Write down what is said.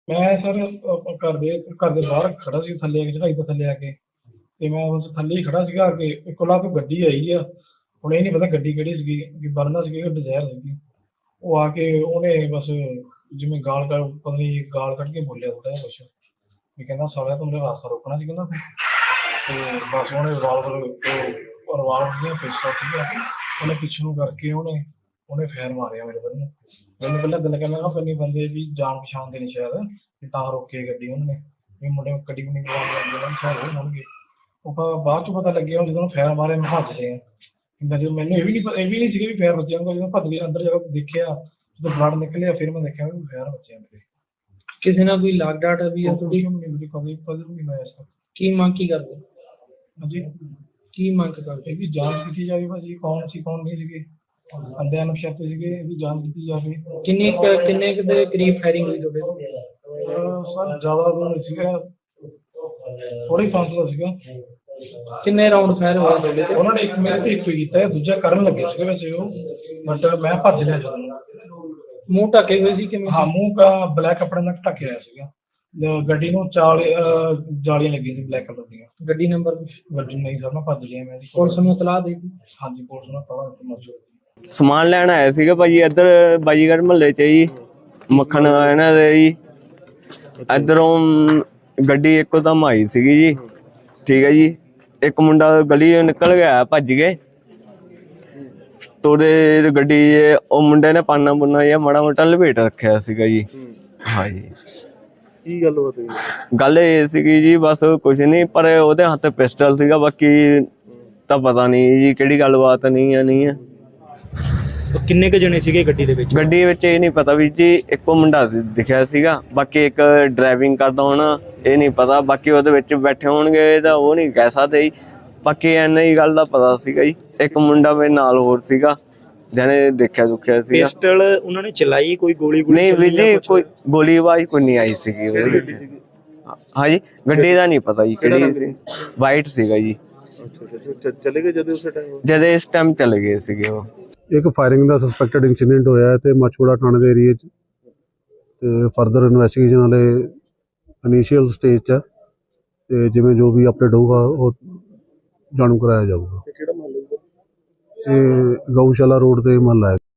मैं सर घर दे बाहर खड़ा सी थल्ले चढ़ाई तो थल्ले आके ते मैं उस थल्ले ही खड़ा सीगा कि कोला कोई गड्डी आई आ ਹੁਣ ਇਹ ਨਹੀਂ ਪਤਾ ਗੱਡੀ ਕਿਹੜੀ ਸੀਗੀ ਕਿ ਵਰਨਾ ਸੀਗੀ ਕਿ ਡਿਜ਼ਾਇਰ ਸੀਗੀ ਉਹ ਆ ਕੇ ਉਹਨੇ ਬਸ ਜਿਵੇਂ ਗਾਲ ਕਰ ਪਤਾ ਨਹੀਂ ਗਾਲ ਕੱਢ ਕੇ ਬੋਲਿਆ ਥੋੜਾ ਜਿਹਾ ਕੁਛ ਵੀ ਕਹਿੰਦਾ ਸਾਲਿਆ ਤੂੰ ਮੇਰਾ ਰਾਸਤਾ ਰੋਕਣਾ ਸੀ ਕਹਿੰਦਾ ਤੇ ਬਸ ਉਹਨੇ ਰਿਵਾਲਵਰ ਦੀਆਂ ਪਿਸਟਲ ਸੀਗਾ ਉਹਨੇ ਪਿੱਛੇ ਨੂੰ ਕਰਕੇ ਉਹਨੇ ਫੇਰ ਮਾਰਿਆ ਮੇਰੇ ਬੰਦੇ ਨੂੰ ਮੈਨੂੰ ਪਹਿਲਾਂ ਦਿਲ ਕਹਿੰਦਾ ਪੰਨੀ ਬੰਦੇ ਵੀ ਜਾਣ ਪਛਾਣ ਦੇ ਨਹੀਂ ਸ਼ਾਇਦ ਵੀ ਤਾਂ ਰੋਕੇ ਗੱਡੀ ਉਹਨੇ ਵੀ ਮੁੰਡੇ ਗੱਡੀ ਨੂੰ ਨਿਕਲਵਾ ਕੇ ਉਹਨਾਂ ਸ਼ਾਇਦ ਉਹ ਹੋਣਗੇ ਉਹ ਬਾਅਦ ਚ ਪਤਾ ਲੱਗਿਆ ਜਦੋਂ ਫੇਰ ਮਾਰੇ ਮੈਂ ਹੱਥ ਲਿਆ ਜਦੋਂ ਮੈਨੂੰ ਇਹ ਵੀ ਨਹੀਂ ਸੀਗਾ ਵੀ ਫੇਰ ਬੱਚਿਆਂ ਨੂੰ ਜਦੋਂ ਭੱਜ ਕੇ ਅੰਦਰ ਜਾ ਕੇ ਦੇਖਿਆ ਜਦੋਂ ਬਲੱਡ ਨਿਕਲਿਆ ਫਿਰ ਮੈਂ ਦੇਖਿਆ ਵੀ ਫੇਰ ਬੱਚਿਆਂ ਮੇਰੇ ਕਿਸੇ ਨਾਲ ਕੋਈ ਲਾਗ ਡਾਟ ਵੀ ਹੈ ਤੁਹਾਡੀ? ਕਦੇ ਨਹੀਂ ਹੋਇਆ ਇਸ ਕੀ ਮੰਗ ਕੀ ਕਰਦੇ? ਹਾਂਜੀ ਕੀ ਮੰਗ ਕਰਦੇ? ਵੀ ਜਾਂਚ ਕੀਤੀ ਜਾਵੇ ਭਾਜੀ ਕੌਣ ਸੀ ਕੌਣ ਨਹੀਂ ਸੀਗੇ ਅੰਦਿਆਂ ਨੂੰ ਸ਼ੱਕ ਸੀਗੇ ਵੀ ਜਾਂਚ ਕੀਤੀ ਜਾਵੇ। ਕਿੰਨੇ ਦੇ ਕਰੀਬ ਫਾਇਰਿੰਗ ਹੋਈ ਤੁਹਾਡੇ ਤੋਂ? ਸਰ ਜ਼ਿਆਦਾ ਨਹੀਂ ਸੀਗਾ ਥੋੜੀ ਫਾਸਲਾ ਸੀਗਾ। ਕਿੰਨੇ ਰਾਉਂਡ ਫਾਇਰ ਹੋਏ ਤੁਹਾਡੇ ਤੇ? ਉਹਨਾਂ ਨੇ ਇੱਕ ਮੇਰੇ ਤੇ ਇੱਕ ਕੀਤਾ ਦੂਜਾ ਕਰਨ ਲੱਗੇ ਸੀਗੇ ਵੈਸੇ ਉਹ ਬਟ ਮੈਂ ਭੱਜ ਲਿਆ ਜਦੋਂ ਮੂੰਹ ਢੱਕੇ ਹੋਏ ਸੀ ਕਿਵੇਂ? ਹਾਂ ਮੂੰਹ ਦਾ ਬਲੈਕ ਕੱਪੜੇ ਨਾਲ ਢੱਕਿਆ ਹੋਇਆ ਸੀਗਾ ਗੱਡੀ ਨੂੰ ਜਾਲੀਆਂ ਲੱਗੀਆਂ ਸੀ ਬਲੈਕ ਕਲਰ ਦੀਆਂ। ਗੱਡੀ ਨੰਬਰ ਗੱਡੀ ਨਹੀਂ ਸਰ ਮੈਂ ਭੱਜ ਲਿਆ ਮੈਂ ਪੁਲਿਸ ਨੂੰ ਇਤਲਾਹ ਦੇ ਦਿੱਤੀ? ਹਾਂਜੀ ਪੁਲਿਸ ਨੂੰ ਪਤਾ ਮੌਜੂਦ ਸਮਾਨ ਲੈਣ ਆਇਆ ਸੀਗਾ ਭਾਜੀ ਇੱਧਰ ਬਾਜੀਗਰ ਮਹੱਲੇ 'ਚ ਜੀ ਮੱਖਣ ਇਹਨਾਂ ਦੇ ਜੀ ਇੱਧਰੋਂ ਗੱਡੀ ਇੱਕੋ ਦਮ ਆਈ ਸੀਗੀ ਜੀ ਠੀਕ ਹੈ ਜੀ ਇੱਕ ਮੁੰਡਾ ਗਲੀ ਨਿਕਲ ਗਿਆ ਭੱਜ ਗਏ ਤੋੜੇ ਗੱਡੀ ਉਹ ਮੁੰਡੇ ਨੇ ਪਾਨਾ ਪੁੰਨਾ ਜਿਹਾ ਮਾੜਾ ਮੋਟਾ ਲਪੇਟ ਰੱਖਿਆ ਸੀਗਾ ਜੀ। ਹਾਂਜੀ ਕੀ ਗੱਲ ਹੋਈ? ਗੱਲ ਇਹ ਸੀਗੀ ਜੀ ਬਸ ਕੁਛ ਨਹੀਂ ਪਰ ਉਹਦੇ ਹੱਥ ਪਿਸਟਲ ਸੀਗਾ ਬਾਕੀ ਤਾਂ ਪਤਾ ਨਹੀਂ ਜੀ ਕਿਹੜੀ ਗੱਲਬਾਤ ਨਹੀਂ ਹੈ। ਕਿੰਨੇ ਕੁ ਜਣੇ ਸੀਗੇ ਗੱਡੀ ਦੇ ਵਿੱਚ? ਗੱਡੀ ਵਿੱਚ ਇਹ ਨਹੀਂ ਪਤਾ ਵੀ ਜੀ ਇੱਕੋ ਮੁੰਡਾ ਦਿਖਿਆ ਸੀਗਾ ਬਾਕੀ ਇੱਕ ਡਰਾਈਵਿੰਗ ਕਰਦਾ ਹੋਣਾ ਇਹ ਨਹੀਂ ਪਤਾ ਬਾਕੀ ਉਹਦੇ ਵਿੱਚ ਬੈਠੇ ਹੋਣਗੇ ਤਾਂ ਉਹ ਨਹੀਂ ਕਹਿ ਸਕਦੇ ਜੀ ਬਾਕੀ ਇੰਨਾ ਹੀ ਗੱਲ ਦਾ ਪਤਾ ਸੀਗਾ ਜੀ ਇੱਕ ਮੁੰਡਾ ਮੇਰੇ ਨਾਲ ਹੋਰ ਸੀਗਾ ਜਿਹਨੇ ਦੇਖਿਆ ਦੁਖਿਆ ਸੀਗਾ। ਪਿਸਟਲ ਉਹਨਾਂ ਨੇ ਚਲਾਈ ਕੋਈ ਗੋਲੀ ਨਹੀਂ ਵੀ ਜੀ ਕੋਈ ਗੋਲੀ ਆਵਾਜ਼ ਕੋਈ ਨਹੀਂ ਆਈ ਸੀਗੀ ਉਹਦੇ ਵਿੱਚ। ਹਾਂਜੀ ਗੱਡੀ ਦਾ ਨਹੀਂ ਪਤਾ ਜੀ ਕਿਹੜੀ ਸੀ ਵਾਈਟ ਸੀਗਾ ਜੀ। ਚਲੇ ਗਏ ਜਦੋਂ ਉਸੇ ਟਾਈਮ? ਜਦ ਇਸ ਟਾਈਮ ਚਲੇ ਗਏ ਸੀਗੇ ਉਹ। ਇੱਕ ਫਾਇਰਿੰਗ ਦਾ ਸਸਪੈਕਟਡ ਇਨਸੀਡੈਂਟ ਹੋਇਆ ਤੇ ਮਚੂੜਾ ਥਾਣੇ ਦੇ ਏਰੀਆ 'ਚ ਤੇ ਫਰਦਰ ਇਨਵੈਸਟੀਗੇਸ਼ਨ ਵਾਲੇ ਇਨੀਸ਼ੀਅਲ ਸਟੇਜ 'ਚ ਤੇ ਜਿਵੇਂ ਜੋ ਵੀ ਅਪਡੇਟ ਹੋਊਗਾ ਉਹ ਜਾਣੂ ਕਰਾਇਆ ਜਾਊਗਾ। ਕਿਹੜਾ ਮਹੱਲਾ? ਇਹ ਗਊਸ਼ਾਲਾ ਰੋਡ ਤੇ ਮਹੱਲਾ ਹੈ।